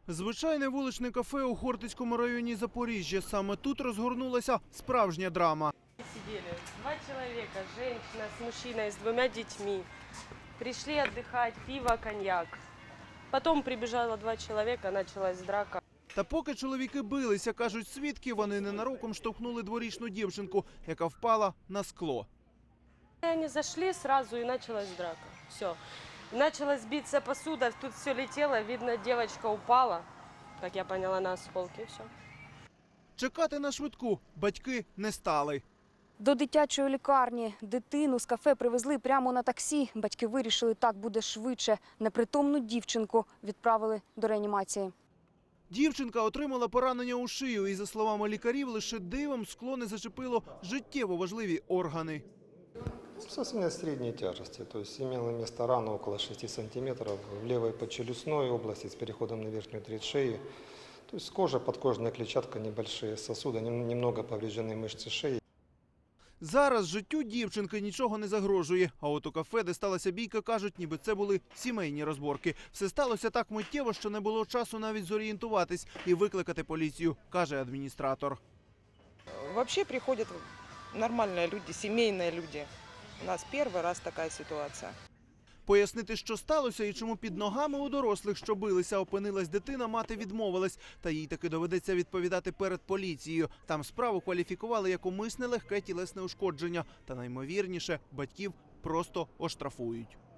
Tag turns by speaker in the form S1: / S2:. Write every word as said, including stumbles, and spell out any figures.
S1: Звичайне вуличне кафе у Хортицькому районі Запоріжжя. Саме тут розгорнулася справжня драма.
S2: Сидели два человека, женщина с мужчиной, с двумя детьми. Пришли отдыхать, пиво, коньяк. Потом прибежало два человека, началась драка.
S1: Та поки чоловіки билися, кажуть свідки, вони ненароком штовхнули дворічну дівчинку, яка впала на скло.
S2: Они зашли сразу и началась драка. Все. Началась биться посуда, тут все летело, видно, девочка упала, как я поняла, на осколки, все.
S1: Чекати на швидку батьки не стали.
S3: До дитячої лікарні дитину з кафе привезли прямо на таксі. Батьки вирішили, так буде швидше. Непритомну дівчинку відправили до реанімації.
S1: Дівчинка отримала поранення у шию і, за словами лікарів, лише дивом скло не зачепило життєво важливі органи.
S4: Состояние средней тяжести, то есть имела место рана около шести сантиметров в левой подчелюстной области с переходом на верхнюю треть шеи. То есть кожа, подкожная клетчатка, небольшие сосуды, немного повреждены мышцы шеи.
S1: Зараз життю дівчинки нічого не загрожує. А от у кафе, де сталася бійка, кажуть, ніби це були сімейні розборки. Все сталося так миттєво, що не було часу навіть зорієнтуватись і викликати поліцію, каже адміністратор.
S5: Вообще приходят нормальные люди, семейные люди. У нас перший раз така ситуація.
S1: Пояснити, що сталося і чому під ногами у дорослих, що билися, опинилась дитина, мати відмовилась. Та їй таки доведеться відповідати перед поліцією. Там справу кваліфікували як умисне легке тілесне ушкодження. Та наймовірніше, батьків просто оштрафують.